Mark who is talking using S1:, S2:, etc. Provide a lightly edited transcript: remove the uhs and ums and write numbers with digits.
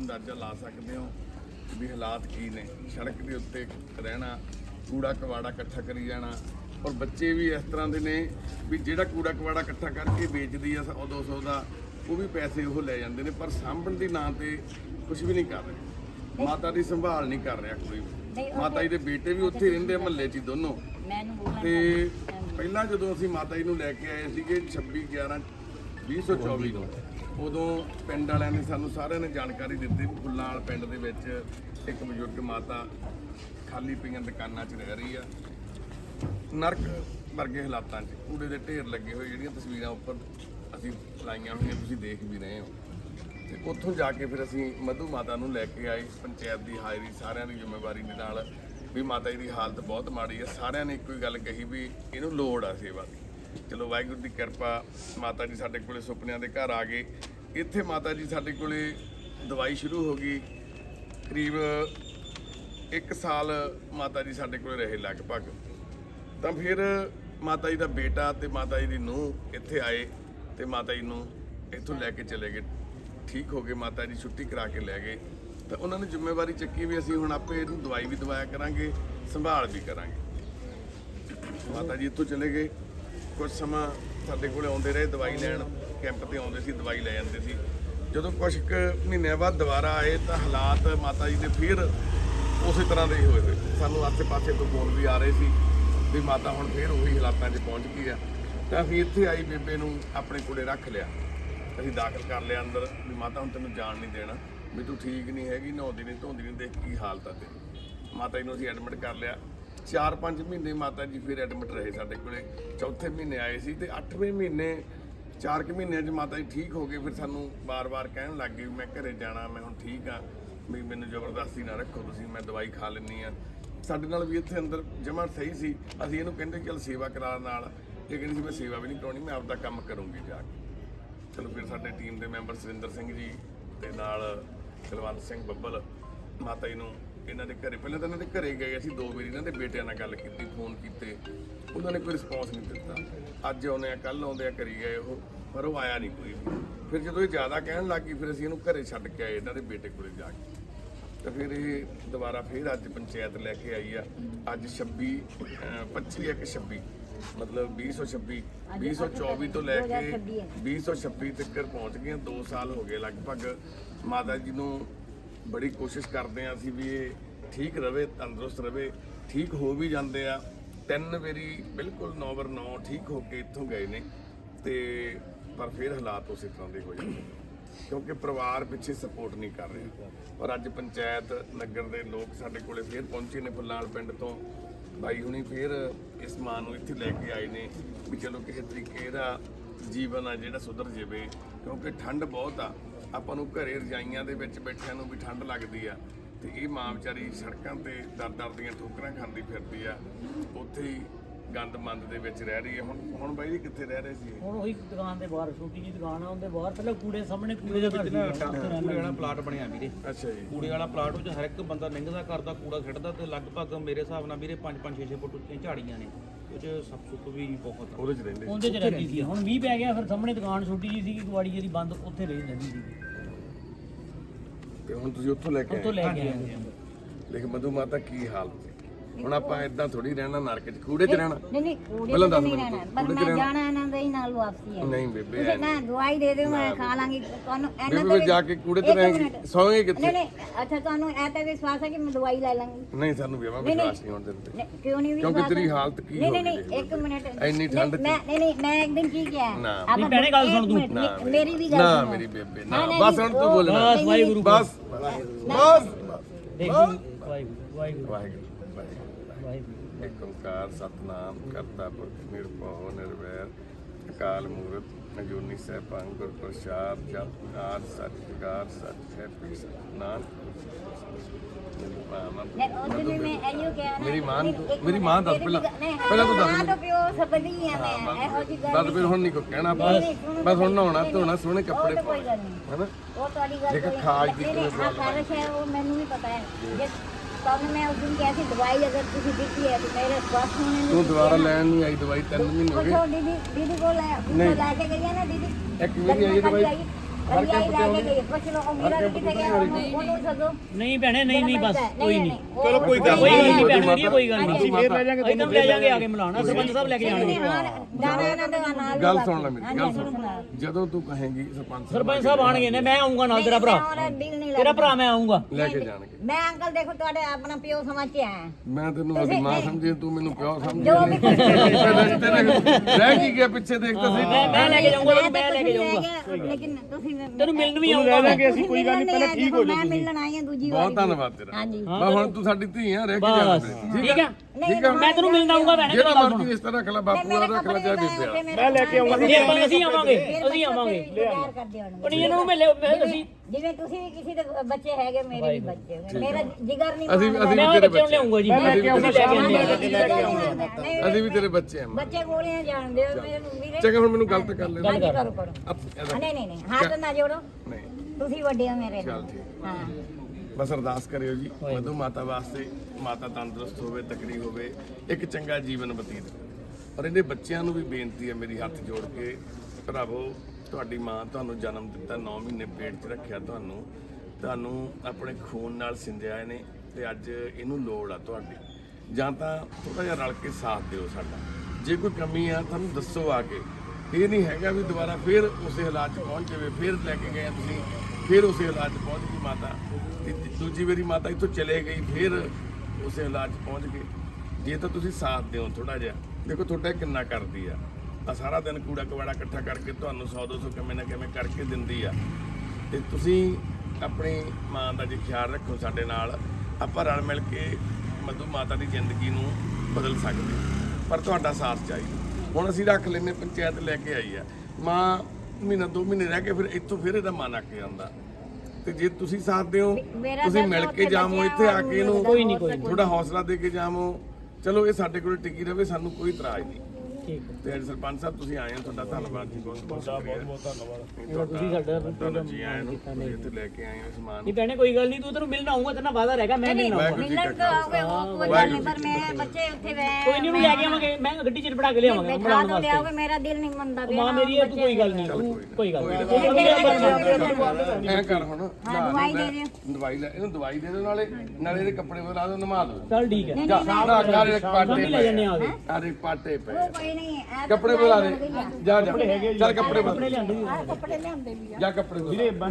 S1: ਅੰਦਾਜ਼ਾ ਲਾ ਸਕਦੇ ਹੋ ਵੀ ਹਾਲਾਤ ਕੀ ਨੇ। ਸੜਕ ਦੇ ਉੱਤੇ ਰਹਿਣਾ, ਕੂੜਾ ਕਵਾੜਾ ਇਕੱਠਾ ਕਰੀ ਜਾਣਾ, ਔਰ ਬੱਚੇ ਵੀ ਇਸ ਤਰ੍ਹਾਂ ਦੇ ਨੇ ਵੀ ਜਿਹੜਾ ਕੂੜਾ ਕਵਾੜਾ ਇਕੱਠਾ ਕਰਕੇ ਵੇਚਦੀ ਆ 100-200 ਦਾ, ਉਹ ਵੀ ਪੈਸੇ ਉਹ ਲੈ ਜਾਂਦੇ ਨੇ, ਪਰ ਸਾਂਭਣ ਦੀ ਨਾਂ ਤੇ ਕੁਝ ਵੀ ਨਹੀਂ ਕਰ ਰਹੇ। ਮਾਤਾ ਦੀ ਸੰਭਾਲ ਨਹੀਂ ਕਰ ਰਿਹਾ ਕੋਈ ਵੀ। ਮਾਤਾ ਜੀ ਦੇ ਬੇਟੇ ਵੀ ਉੱਥੇ ਰਹਿੰਦੇ ਆ ਮਹੱਲੇ 'ਚ ਹੀ ਦੋਨੋਂ। ਤੇ ਪਹਿਲਾਂ ਜਦੋਂ ਅਸੀਂ ਮਾਤਾ ਜੀ ਨੂੰ ਲੈ ਕੇ ਆਏ ਸੀਗੇ 26/11/2024 ਨੂੰ, ਉਦੋਂ ਪਿੰਡ ਵਾਲਿਆਂ ਨੇ ਸਾਨੂੰ ਸਾਰਿਆਂ ਨੇ ਜਾਣਕਾਰੀ ਦਿੱਤੀ ਵੀ ਫੁੱਲਾਂਵਾਲ ਪਿੰਡ ਦੇ ਵਿੱਚ ਇੱਕ ਬਜ਼ੁਰਗ ਮਾਤਾ ਖਾਲੀ ਪਈਆਂ ਦੁਕਾਨਾਂ 'ਚ ਰਹਿ ਰਹੀ ਆ, ਨਰਕ ਵਰਗੇ ਹਾਲਾਤਾਂ 'ਚ, ਕੂੜੇ ਦੇ ਢੇਰ ਲੱਗੇ ਹੋਏ, ਜਿਹੜੀਆਂ ਤਸਵੀਰਾਂ ਉੱਪਰ ਅਸੀਂ ਲਾਈਆਂ ਹੋਈਆਂ ਤੁਸੀਂ ਦੇਖ ਵੀ ਰਹੇ ਹੋ। ਤੇ ਉੱਥੋਂ ਜਾ ਕੇ ਫਿਰ ਅਸੀਂ ਮਧੂ ਮਾਤਾ ਨੂੰ ਲੈ ਕੇ ਆਏ, ਪੰਚਾਇਤ ਦੀ ਹਾਜ਼ਰੀ, ਸਾਰਿਆਂ ਦੀ ਜ਼ਿੰਮੇਵਾਰੀ ਦੇ ਨਾਲ, ਵੀ ਮਾਤਾ ਜੀ ਦੀ ਹਾਲਤ ਬਹੁਤ ਮਾੜੀ ਹੈ। ਸਾਰਿਆਂ ਨੇ ਇੱਕੋ ਹੀ ਗੱਲ ਕਹੀ ਵੀ ਇਹਨੂੰ ਲੋੜ ਆ ਸੇਵਾ ਦੀ। ਚਲੋ ਵਾਹਿਗੁਰੂ ਦੀ ਕਿਰਪਾ, ਮਾਤਾ ਜੀ ਸਾਡੇ ਕੋਲੇ ਸੁਪਨਿਆਂ ਦੇ ਘਰ ਆ ਗਏ। ਇੱਥੇ ਮਾਤਾ ਜੀ ਸਾਡੇ ਕੋਲੇ ਦਵਾਈ ਸ਼ੁਰੂ ਹੋ ਗਈ, ਕਰੀਬ 1 ਸਾਲ ਮਾਤਾ ਜੀ ਸਾਡੇ ਕੋਲੇ ਰਹੇ ਲਗਭਗ। ਤਾਂ ਫਿਰ ਮਾਤਾ ਜੀ ਦਾ ਬੇਟਾ ਤੇ ਮਾਤਾ ਜੀ ਦੀ ਨੂੰਹ ਇੱਥੇ ਆਏ ਤੇ ਮਾਤਾ ਜੀ ਨੂੰ ਇੱਥੋਂ ਲੈ ਕੇ ਚਲੇ ਗਏ। ਠੀਕ ਹੋ ਗਏ, ਮਾਤਾ ਜੀ ਛੁੱਟੀ ਕਰਾ ਕੇ ਲੈ ਗਏ। ਤਾਂ ਉਹਨਾਂ ਨੇ ਜ਼ਿੰਮੇਵਾਰੀ ਚੱਕੀ ਵੀ ਅਸੀਂ ਹੁਣ ਆਪੇ ਇਹਨੂੰ ਦਵਾਈ ਵੀ ਦਵਾਇਆ ਕਰਾਂਗੇ, ਸੰਭਾਲ ਵੀ ਕਰਾਂਗੇ। ਮਾਤਾ ਜੀ ਇੱਥੋਂ ਚਲੇ ਗਏ। ਕੁਝ ਸਮਾਂ ਸਾਡੇ ਕੋਲ ਆਉਂਦੇ ਰਹੇ ਦਵਾਈ ਲੈਣ, ਕੈਂਪ ਤੇ ਆਉਂਦੇ ਸੀ, ਦਵਾਈ ਲੈ ਜਾਂਦੇ ਸੀ। ਜਦੋਂ ਕੁਝ ਕੁ ਮਹੀਨਿਆਂ ਬਾਅਦ ਦੁਬਾਰਾ ਆਏ ਤਾਂ ਹਾਲਾਤ ਮਾਤਾ ਜੀ ਦੇ ਫਿਰ ਉਸੇ ਤਰ੍ਹਾਂ ਦੇ ਹੀ ਹੋਏ। ਸਾਨੂੰ ਆਸੇ-ਪਾਸੇ ਤੋਂ ਫੋਨ ਵੀ ਆ ਰਹੇ ਸੀ ਵੀ ਮਾਤਾ ਹੁਣ ਫਿਰ ਉਹੀ ਹਾਲਾਤਾਂ 'ਚ ਪਹੁੰਚ ਗਈ ਆ। ਤਾਂ ਅਸੀਂ ਇੱਥੇ ਆਈ ਬੇਬੇ ਨੂੰ ਆਪਣੇ ਕੋਲੇ ਰੱਖ ਲਿਆ, ਅਸੀਂ ਦਾਖਲ ਕਰ ਲਿਆ ਅੰਦਰ ਵੀ ਮਾਤਾ ਹੁਣ ਤੈਨੂੰ ਜਾਣ ਨਹੀਂ ਦੇਣਾ, ਵੀ ਤੂੰ ਠੀਕ ਨਹੀਂ ਹੈਗੀ, ਨਹਾਉਂਦੀ ਨਹੀਂ ਧੋਂਦੀ ਨਹੀਂ, ਦੇਖ ਕੀ ਹਾਲਤ ਆ ਤੇਰੀ। ਮਾਤਾ ਜੀ ਨੂੰ ਅਸੀਂ ਐਡਮਿਟ ਕਰ ਲਿਆ। 4-5 ਮਹੀਨੇ ਮਾਤਾ ਜੀ ਫਿਰ ਐਡਮਿਟ ਰਹੇ ਸਾਡੇ ਕੋਲੇ। ਚੌਥੇ ਮਹੀਨੇ ਆਏ ਸੀ ਤੇ 8ਵੇਂ ਮਹੀਨੇ 4 ਕੁ ਮਹੀਨਿਆਂ 'ਚ ਮਾਤਾ ਜੀ ਠੀਕ ਹੋ ਗਏ। ਫਿਰ ਸਾਨੂੰ ਵਾਰ-ਵਾਰ ਕਹਿਣ ਲੱਗ ਗਏ ਵੀ ਮੈਂ ਘਰੇ ਜਾਣਾ, ਮੈਂ ਹੁਣ ਠੀਕ ਆ, ਵੀ ਮੈਨੂੰ ਜ਼ਬਰਦਸਤੀ ਨਾ ਰੱਖੋ ਤੁਸੀਂ, ਮੈਂ ਦਵਾਈ ਖਾ ਲੈਂਦੀ ਆ। ਸਾਡੇ ਨਾਲ ਵੀ ਇੱਥੇ ਅੰਦਰ ਜਮਾਂ ਸਹੀ ਸੀ। ਅਸੀਂ ਇਹਨੂੰ ਕਹਿੰਦੇ ਚੱਲ ਸੇਵਾ ਕਰਾ ਨਾਲ, ਇਹ ਕਹਿੰਦੀ ਸੀ ਮੈਂ ਸੇਵਾ ਵੀ ਨਹੀਂ ਕਰਾਉਣੀ, ਮੈਂ ਆਪਦਾ ਕੰਮ ਕਰੂੰਗੀ ਜਾ ਕੇ। ਚਲੋ ਫਿਰ ਸਾਡੇ ਟੀਮ ਦੇ ਮੈਂਬਰ ਸੁਰਿੰਦਰ ਸਿੰਘ ਜੀ ਤੇ ਨਾਲ ਕੁਲਵੰਤ ਸਿੰਘ ਬੱਬਲ ਮਾਤਾ ਜੀ ਨੂੰ ਇਹਨਾਂ ਦੇ ਘਰੇ, ਪਹਿਲਾਂ ਤਾਂ ਇਹਨਾਂ ਦੇ ਘਰੇ ਗਏ ਅਸੀਂ 2 ਵਾਰੀ, ਇਹਨਾਂ ਦੇ ਬੇਟਿਆਂ ਨਾਲ ਗੱਲ ਕੀਤੀ, ਫੋਨ ਕੀਤੇ, ਉਹਨਾਂ ਨੇ ਕੋਈ ਰਿਸਪੌਂਸ ਨਹੀਂ ਦਿੱਤਾ। ਅੱਜ ਆਉਂਦੇ ਆ, ਕੱਲ੍ਹ ਆਉਂਦੇ ਆ, ਕਰੀ ਗਏ ਉਹ, ਪਰ ਉਹ ਆਇਆ ਨਹੀਂ ਕੋਈ ਵੀ। ਫਿਰ ਜਦੋਂ ਇਹ ਜ਼ਿਆਦਾ ਕਹਿਣ ਲੱਗ ਗਈ ਫਿਰ ਅਸੀਂ ਇਹਨੂੰ ਘਰੇ ਛੱਡ ਕੇ ਆਏ ਇਹਨਾਂ ਦੇ ਬੇਟੇ ਕੋਲੇ ਜਾ ਕੇ। ਤਾਂ ਫਿਰ ਇਹ ਦੁਬਾਰਾ ਫਿਰ ਅੱਜ ਪੰਚਾਇਤ ਲੈ ਕੇ ਆਈ ਆ। ਅੱਜ 25/1/26 ਮਤਲਬ 2026 2024 ਤੋਂ ਲੈ ਕੇ 2026 ਤੱਕ ਪਹੁੰਚ ਗਏ। 2 ਸਾਲ ਹੋ ਗਏ ਲਗਭਗ। ਮਾਤਾ ਜੀ ਨੂੰ ਬੜੀ ਕੋਸ਼ਿਸ਼ ਕਰਦੇ ਆ ਅਸੀਂ ਵੀ ਇਹ ਠੀਕ ਰਵੇ, ਤੰਦਰੁਸਤ ਰਵੇ। ਠੀਕ ਹੋ ਵੀ ਜਾਂਦੇ ਆ। 3 ਵਾਰੀ ਬਿਲਕੁਲ 9/9 ਠੀਕ ਹੋ ਕੇ ਇੱਥੋਂ ਗਏ ਨੇ, ਤੇ ਪਰ ਫਿਰ ਹਾਲਾਤ ਉਸੇ ਤਰ੍ਹਾਂ ਦੇ ਹੋ ਜਾਂਦੇ ਕਿਉਂਕਿ ਪਰਿਵਾਰ ਪਿੱਛੇ ਸਪੋਰਟ ਨਹੀਂ ਕਰ ਰਿਹਾ। ਔਰ ਅੱਜ ਪੰਚਾਇਤ ਨਗਰ ਦੇ ਲੋਕ ਸਾਡੇ ਕੋਲੇ ਫਿਰ ਪਹੁੰਚੇ ਨੇ, ਫੁੱਲਾਂਵਾਲ ਪਿੰਡ ਤੋਂ ਬਾਈ ਹੁਣੀ ਫਿਰ ਇਸ ਮਾਂ ਨੂੰ ਇੱਥੇ ਲੈ ਕੇ ਆਏ ਨੇ ਵੀ ਚਲੋ ਕਿਸੇ ਤਰੀਕੇ ਇਹਦਾ ਜੀਵਨ ਆ ਜਿਹੜਾ ਸੁਧਰ ਜਾਵੇ, ਕਿਉਂਕਿ ਠੰਡ ਬਹੁਤ ਆ। ਆਪਾਂ ਨੂੰ ਘਰੇ ਰਜਾਈਆਂ ਦੇ ਵਿੱਚ ਬੈਠਿਆਂ ਨੂੰ ਵੀ ਠੰਡ ਲੱਗਦੀ ਆ, ਤੇ ਇਹ ਮਾਂ ਵਿਚਾਰੀ ਸੜਕਾਂ ਤੇ ਦਰ ਦੀਆਂ ਠੋਕਰਾਂ ਖਾਂਦੀ ਫਿਰਦੀ ਆ, ਉੱਥੇ ਹੀ ਗੰਦ ਮੰਦ ਦੇ ਵਿੱਚ ਰਹਿ ਰਹੀ ਹੈ। ਹੁਣ ਬਾਈ ਜੀ ਕਿੱਥੇ ਰਹਿ ਰਹੇ ਸੀ?
S2: ਹੁਣ ਉਹੀ ਦੁਕਾਨ ਦੇ ਬਾਹਰ, ਛੋਟੀ ਜਿਹੀ ਦੁਕਾਨ ਆ, ਉਹਦੇ ਬਾਹਰ ਪਹਿਲਾਂ ਕੂੜੇ ਸਾਹਮਣੇ ਕੂੜੇ ਦੇ ਵਿੱਚ
S3: ਕੂੜੇ ਵਾਲਾ ਪਲਾਟ ਬਣਿਆ ਵੀਰੇ।
S1: ਅੱਛਾ ਜੀ।
S3: ਕੂੜੇ ਵਾਲਾ ਪਲਾਟ ਵਿੱਚ ਹਰ ਇੱਕ ਬੰਦਾ ਲੰਘਦਾ ਕਰਦਾ ਕੂੜਾ ਸਿੱਟਦਾ, ਤੇ ਲਗਭਗ ਮੇਰੇ ਹਿਸਾਬ ਨਾਲ ਵੀਰੇ 5-5 6-6 ਫੁੱਟ ਉੱਚੀਆਂ ਝਾੜੀਆਂ ਨੇ, ਉਹ 'ਚ ਸੱਪ ਸੁੱਪ ਵੀ ਬਹੁਤ
S1: ਉਹਦੇ 'ਚ ਰਹਿੰਦੇ
S2: ਉਹਦੇ 'ਚ ਰਹਿੰਦੀ ਸੀ। ਹੁਣ ਮੀਂਹ ਪੈ ਗਿਆ, ਫਿਰ ਸਾਹਮਣੇ ਦੁਕਾਨ ਛੋਟੀ ਜਿਹੀ ਸੀਗੀ ਕੁਆੜੀ ਜਿਹੜੀ ਬੰਦ, ਉੱਥੇ ਰਹਿੰਦੀ ਸੀ।
S1: ਤੇ ਹੁਣ ਤੁਸੀਂ ਉੱਥੋਂ ਲੈ ਕੇ
S2: ਉੱਥੋਂ ਲੈ ਕੇ ਆਏ।
S1: ਦੇਖ ਮਧੂ ਮਾਤਾ ਕੀ ਹਾਲਤ ਹੈ। ਹੁਣ ਆਪਾਂ ਇਦਾਂ ਥੋੜੀ ਰਹਿਣਾ ਨਰਕ 'ਚ, ਕੂੜੇ 'ਚ ਰਹਿਣਾ।
S4: ਨਹੀਂ ਕੂੜੇ 'ਚ ਨਹੀਂ ਰਹਿਣਾ, ਪਰ ਮੈਂ ਜਾਣਾ ਇਹਨਾਂ ਦੇ ਹੀ ਨਾਲ ਵਾਪਸੀ ਹੈ।
S1: ਨਹੀਂ ਬੇਬੇ,
S4: ਤੁਸੀਂ ਨਾ ਦਵਾਈ ਦੇ ਦਿਓ, ਮੈਂ ਖਾ ਲਾਂਗੀ। ਤੁਹਾਨੂੰ ਇਹਨਾਂ
S1: ਬੇਬੇ ਜਾ ਕੇ ਕੂੜੇ 'ਤੇ ਰਹੇਗੀ, ਸੌਂਗੇ ਕਿੱਥੇ?
S4: ਨਹੀਂ ਅੱਛਾ, ਤੁਹਾਨੂੰ ਇਹ ਤਾਂ ਵਿਸ਼ਵਾਸ ਹੈ ਕਿ ਮੈਂ ਦਵਾਈ ਲੈ ਲਾਂਗੀ?
S1: ਨਹੀਂ, ਸਾਨੂੰ ਵਿਆਹ ਵਿਸ਼ਵਾਸ ਨਹੀਂ ਹੋਣ ਦਿੰਦੇ।
S4: ਕਿਉਂ ਨਹੀਂ
S1: ਕਿਉਂਕਿ ਤੇਰੀ ਹਾਲਤ ਕੀ ਹੋ ਗਈ?
S4: ਨਹੀਂ 1 ਮਿੰਟ,
S1: ਇੰਨੀ ਠੰਡ 'ਚ
S4: ਮੈਂ ਇੱਕ ਦਿਨ ਕੀ ਕਿਹਾ
S2: ਨਹੀਂ ਭੈਣੇ ਗੱਲ ਸੁਣ ਤੂੰ,
S4: ਮੇਰੀ ਵੀ ਗੱਲ
S1: ਨਾ, ਮੇਰੀ ਬੇਬੇ ਨਾ, ਬਸ ਹੁਣ ਤੂੰ ਬੋਲਣਾ,
S2: ਬਸ ਵਾਹਿਗੁਰੂ,
S1: ਬਸ
S2: ਵਾਹਿਗੁਰੂ ਵਾਹਿਗੁਰੂ
S1: ਏਕ ਓੰਕਾਰ ਸਤਨਾਮ ਕਰਤਾ ਪੁਰਖ ਨਿਰਭਉ ਨਿਰਵੈਰ ਅਕਾਲ ਮੂਰਤ ਅਜੂਨੀ ਸੈਭੰ ਗੁਰ ਪ੍ਰਸਾਦ ਜਪ ਆਦਿ ਸੱਚ ਜੁਗਾਦ ਸੱਚ ਹੈ ਪੀ ਨਾਨਕ। ਮੇਰੀ ਮਾਂ ਦੱਸ ਪਹਿਲਾਂ ਤੂੰ ਦੱਸ।
S4: ਤਾਂ ਪਿਓ ਸਬਦੀ ਆ ਮੈਂ ਇਹੋ ਜੀ ਗੱਲ
S1: ਦੱਸ ਫਿਰ ਹੁਣ ਨਹੀਂ ਕੋ ਕਹਿਣਾ, ਬਸ ਹੁਣ ਨਹਾਉਣਾ ਧੋਣਾ, ਸੋਹਣੇ ਕੱਪੜੇ ਪਾ
S4: ਕੋਈ ਗੱਲ ਨਹੀਂ,
S1: ਹੈਨਾ।
S4: ਉਹ ਤੁਹਾਡੀ ਗੱਲ
S1: ਦੇਖ ਖਾਜ ਦੀ ਕੋਈ ਗੱਲ
S4: ਖਾਰਸ਼ ਹੈ, ਉਹ ਮੈਨੂੰ ਵੀ ਪਤਾ ਹੈ। ਜੇ ਤੁਹਾਨੂੰ ਮੈਂ ਉਸ ਦਿਨ ਕਿਹਾ ਸੀ ਦਵਾਈ ਅਗਰ ਤੁਸੀਂ ਦਿੱਤੀ ਹੈ ਤਾਂ ਮੇਰੇ ਸਵਾਸ ਹੋਣੇ ਨੂੰ
S1: ਤੂੰ ਦੁਬਾਰਾ ਲੈਣ ਨਹੀਂ ਆਈ ਦਵਾਈ, 3 ਮਹੀਨੇ ਹੋ ਗਏ।
S4: ਦੀਦੀ ਕੋਲ ਲੈ ਕੇ ਗਈ ਹੈ ਨਾ ਦੀਦੀ,
S1: ਇੱਕ ਵਾਰੀ ਆਈ ਦਵਾਈ,
S4: ਭਰਜਾਈ ਲੈ ਕੇ ਗਈ ਪੁੱਛ ਲਓ ਉਹ ਮੇਰਾ ਕਿੱਥੇ ਗਿਆ ਉਹਨੂੰ ਸਦੋ
S2: ਨਹੀਂ ਭੈਣੇ ਨਹੀਂ ਬਸ ਕੋਈ ਨਹੀਂ
S1: ਚਲੋ ਕੋਈ ਗੱਲ
S2: ਕੋਈ ਗੱਲ ਨਹੀਂ
S1: ਨਹੀਂ
S2: ਭੈਣੇ ਕੋਈ ਗੱਲ ਨਹੀਂ
S1: ਅਸੀਂ ਫੇਰ ਲੈ ਜਾਾਂਗੇ
S2: ਇੱਕਦਮ ਲੈ ਜਾਾਂਗੇ ਆ ਕੇ ਮਿਲਾਉਣਾ ਸਰਪੰਚ ਸਾਹਿਬ ਲੈ ਕੇ ਜਾਣਗੇ
S4: ਜਾਣਾ ਇਹਨਾਂ ਦੇ ਨਾਲ
S1: ਗੱਲ ਸੁਣ ਲੈ ਮੇਰੀ ਗੱਲ ਸੁਣ ਜਦੋਂ ਤੂੰ ਕਹੇਂਗੀ
S2: ਸਰਪੰਚ ਸਾਹਿਬ ਆਣਗੇ ਨੇ ਮੈਂ ਆਉਂਗਾ ਨਾਲ ਤੇਰਾ ਭਰਾ ਤੇਰਾ ਭਰਾ ਮੈਂ ਆਉਂਗਾ
S1: ਲੈ ਕੇ ਜਾਣਗੇ
S4: ਮੈਂ ਅੰਕਲ ਦੇਖੋ ਤੁਹਾਡੇ ਆਪਣਾ ਪਿਓ ਸਮਝ ਕੇ ਆਇਆ
S1: ਮੈਂ ਤੈਨੂੰ ਆਪਣੀ ਮਾਂ ਸਮਝੀ ਤੂੰ ਮੈਨੂੰ ਪਿਓ ਸਮਝੀ
S4: ਜੋ ਵੀ ਕੁਝ
S1: ਰਹਿ ਕੀ ਗਿਆ ਪਿੱਛੇ ਦੇਖ ਤਾਂ ਸਹੀ
S2: ਮੈਂ ਲੈ ਕੇ ਜਾਊਂਗਾ ਮੈਂ ਲੈ ਕੇ ਜਾਊਂਗਾ
S4: ਲੇਕਿਨ ਤੁਸੀਂ
S2: ਤੈਨੂੰ ਮਿਲਣ ਵੀ ਆਉਂਗਾ ਮੈਂ
S4: ਅਸੀਂ ਕੋਈ ਗੱਲ ਨਹੀਂ ਪਹਿਲਾਂ ਠੀਕ ਹੋ ਜਾਓ ਮੈਂ ਮਿਲਣ ਆਈ ਹਾਂ ਦੂਜੀ ਵਾਰ
S1: ਬਹੁਤ ਧੰਨਵਾਦ ਤੇਰਾ
S4: ਹਾਂਜੀ
S1: ਬਾ ਹੁਣ ਤੂੰ ਸਾਡੀ ਧੀ ਆ ਰਹਿ ਕੇ ਜਾ
S2: ਬਸ ਠੀਕ ਹੈ ਮੈਂ ਤੈਨੂੰ ਮਿਲਣ ਆਉਂਗਾ ਭੈਣੇ
S1: ਜਿਹੜਾ ਮਰਜ਼ੀ ਇਸ ਤਰ੍ਹਾਂ ਰੱਖ ਲੈ ਬਾਪੂ ਦਾ ਰੱਖ ਲੈ ਜਾਂ ਬੀਬੀ
S4: ਮੈਂ ਲੈ ਕੇ ਆਉਂਗਾ
S2: ਅਸੀਂ ਆਵਾਂਗੇ
S4: ਪਿਆਰ ਕਰਦੇ ਹੋਣਗੇ
S2: ਪਰ ਇਹਨਾਂ ਨੂੰ ਮਿਲੇ ਅਸੀਂ
S4: ਜਿਵੇਂ ਤੁਸੀਂ ਵੀ ਕਿਸੇ ਦੇ ਬੱਚੇ ਹੈਗੇ ਮੇਰੇ ਵੀ ਬੱਚੇ ਹੋਗੇ ਮੇਰਾ ਜਿਗਰ ਨਹੀਂ
S1: ਅਸੀਂ
S2: ਮੈਂ
S1: ਵੀ ਤੇਰੇ
S2: ਬੱਚੇ ਨੂੰ ਲਿਆਉਂਗਾ ਜੀ
S1: ਅਸੀਂ ਵੀ ਤੇਰੇ ਬੱਚੇ ਆ
S4: ਬੱਚੇ ਗੋਲੀਆਂ ਜਾਣਦੇ ਹੋ ਮੇਰੇ ਵੀਰੇ
S1: ਚੰਗਾ ਹੁਣ ਮੈਨੂੰ ਗਲਤ ਕਰ ਲੈ
S4: ਗੱਲ ਕਰੋ ਨਹੀਂ ਹੱਥ ਨਾ ਜੋੜੋ
S1: ਨਹੀਂ
S4: ਤੁਸੀਂ ਵੱਡੇ ਹੋ ਮੇਰੇ
S1: ਚੱਲ ਠੀਕ
S4: ਹਾਂ
S1: ਬਸ ਅਰਦਾਸ ਕਰਿਓ ਜੀ ਮਧੂ ਮਾਤਾ ਵਾਸਤੇ ਮਾਤਾ ਤੰਦਰੁਸਤ ਹੋਵੇ ਤਕੜੀ ਹੋਵੇ ਇੱਕ ਚੰਗਾ ਜੀਵਨ ਬਤੀਤ ਕਰੇ ਔਰ ਇਹਦੇ ਬੱਚਿਆਂ ਨੂੰ ਵੀ ਬੇਨਤੀ ਹੈ ਮੇਰੀ ਹੱਥ ਜੋੜ ਕੇ ਭਰਾਵੋ ਤੁਹਾਡੀ ਮਾਂ ਤੁਹਾਨੂੰ ਜਨਮ ਦਿੱਤਾ 9 ਮਹੀਨੇ ਪੇਟ 'ਚ ਰੱਖਿਆ ਤੁਹਾਨੂੰ ਆਪਣੇ ਖੂਨ ਨਾਲ ਸਿੰਜਿਆ ਨੇ ਤੇ ਅੱਜ ਇਹਨੂੰ ਲੋੜ ਆ ਤੁਹਾਡੀ ਜਾਂ ਤਾਂ ਥੋੜਾ ਜਿਹਾ ਰਲ ਕੇ ਸਾਥ ਦਿਓ ਸਾਡਾ ਜੇ ਕੋਈ ਕਮੀ ਆ ਤੁਹਾਨੂੰ ਦੱਸੋ ਆ ਕੇ ਇਹ ਨਹੀਂ ਹੈਗਾ ਵੀ ਦੁਬਾਰਾ ਫੇਰ ਉਸੇ ਹਾਲਾਤ 'ਚ ਪਹੁੰਚ ਜਾਵੇ ਫੇਰ ਲੈ ਕੇ ਗਏ ਤੁਸੀਂ ਫੇਰ ਉਸੇ ਹਾਲਾਤ 'ਚ ਪਹੁੰਚ ਗਈ ਮਾਤਾ ਤੇ ਦੂਜੀ ਵਾਰੀ ਮਾਤਾ ਇੱਥੋਂ ਚਲੇ ਗਈ ਫੇਰ ਉਸੇ ਹਾਲਾਤ 'ਚ ਪਹੁੰਚ ਗਏ ਜੇ ਤਾਂ ਤੁਸੀਂ ਸਾਥ ਦਿਓ ਥੋੜਾ ਜਿਹਾ ਦੇਖੋ ਤੁਹਾਡਾ ਕਿੰਨਾ ਕਰਦੀ ਆ ਸਾਰਾ ਦਿਨ ਕੂੜਾ ਕਵਾੜਾ ਇਕੱਠਾ ਕਰਕੇ ਤੁਹਾਨੂੰ 100-200 ਕਿਵੇਂ ਨਾ ਕਿਵੇਂ ਕਰਕੇ ਦਿੰਦੀ ਆ ਤੇ ਤੁਸੀਂ ਆਪਣੀ ਮਾਂ ਦਾ ਜੇ ਖਿਆਲ ਰੱਖੋ ਸਾਡੇ ਨਾਲ ਆਪਾਂ ਰਲ ਮਿਲ ਕੇ ਮਧੂ ਮਾਤਾ ਦੀ ਜ਼ਿੰਦਗੀ ਨੂੰ ਬਦਲ ਸਕਦੇ ਪਰ ਤੁਹਾਡਾ ਸਾਥ ਚਾਹੀਦਾ ਹੁਣ ਅਸੀਂ ਰੱਖ ਲੈਨੇ ਪੰਚਾਇਤ ਲੈ ਕੇ ਆਈ ਆ ਮਾਂ ਮਹੀਨਾ 2 ਮਹੀਨੇ ਰਹਿ ਕੇ ਫਿਰ ਇੱਥੋਂ ਫਿਰ ਇਹਦਾ ਮਨ ਅੱਕ ਜਾਂਦਾ ਤੇ ਜੇ ਤੁਸੀਂ ਸਾਥ ਦਿਓ ਤੁਸੀਂ ਮਿਲ ਕੇ ਜਾਵੋ ਇੱਥੇ ਆ ਕੇ ਇਹਨੂੰ
S2: ਕੋਈ ਨਹੀਂ
S1: ਥੋੜਾ ਹੌਸਲਾ ਦੇ ਕੇ ਜਾਵੋ ਚਲੋ ਇਹ ਸਾਡੇ ਕੋਲ ਟਿਕੀ ਰਵੇ ਸਾਨੂੰ ਕੋਈ ਇਤਰਾਜ਼ ਨਹੀਂ
S2: ਠੀਕ
S1: ਤੇ ਅੱਜ ਸਰਪੰਚ ਸਾਹਿਬ ਤੁਸੀਂ ਆਏ ਹੋ ਤੁਹਾਡਾ ਧੰਨਵਾਦ ਜੀ ਬਹੁਤ ਬਹੁਤ ਧੰਨਵਾਦ
S2: ਤੁਸੀਂ ਸਾਡਾ
S1: ਤੁਹਾਨੂੰ ਜੀ ਆਏ ਨੂੰ ਇੱਥੇ ਲੈ ਕੇ ਆਏ ਹੋ ਸਮਾਨ
S2: ਨਹੀਂ ਭੈਣੇ ਕੋਈ ਗੱਲ ਨਹੀਂ ਤੂੰ ਤੈਨੂੰ ਮਿਲਣ ਆਉਂਗਾ ਤੇਰਾ ਵਾਅਦਾ ਰਹੇਗਾ ਮੈਂ ਮਿਲਣ ਆਉਂਗਾ
S4: ਮਿਲਣ ਤਾਂ ਆਓਗੇ ਉਹ ਕੋਈ ਗੱਲ ਨਹੀਂ ਪਰ ਮੇਰੇ ਬੱਚੇ ਉੱਥੇ ਵੇ
S2: ਕੋਈ ਨਹੀਂ ਉਹਨੂੰ ਲੈ ਕੇ ਆਵਾਂਗੇ ਮੈਂ ਗੱਡੀ 'ਚ ਬਿਠਾ ਕੇ ਲਿਆਵਾਂਗਾ
S4: ਬਿਠਾ ਦੋ ਲਿਆਓਗੇ ਮੇਰਾ ਦਿਲ ਨਹੀਂ ਮੰਨਦਾ ਵੀ
S2: ਮਾਂ ਮੇਰੀ ਹੈ ਤੂੰ ਕੋਈ ਗੱਲ ਨਹੀਂ ਕੋਈ ਗੱਲ
S1: ਐ ਕਰ ਹੁਣ
S4: ਦਵਾਈ ਦੇ ਦਿਓ
S1: ਦਵਾਈ ਲੈ ਇਹਨੂੰ ਦਵਾਈ ਦੇ ਦਿਓ ਨਾਲੇ ਇਹਦੇ ਕੱਪੜੇ ਬਦਲਾ ਦਿਓ ਨਮਾ ਦਿਓ
S2: ਚੱਲ ਠੀਕ ਹੈ
S1: ਜਾ ਨਾ ਕਰ ਇੱਕ ਪਾਟੇ
S2: ਲੈ ਜੰਨੇ ਆ ਗਏ
S1: ਅਰੇ ਪਾਟੇ ਪਏ
S4: ਉਹ ਕੋਈ ਨਹੀਂ
S1: ਕੱਪੜੇ ਬਦਲਾ ਦੇ ਜਾ ਕੱਪੜੇ ਬਦਲਾ
S2: ਲਿਆਂਦੇ
S4: ਕੱਪੜੇ ਲਿਆਂਦੇ ਵੀ
S1: ਜਾ ਕੱਪੜੇ ਬਦਲਾ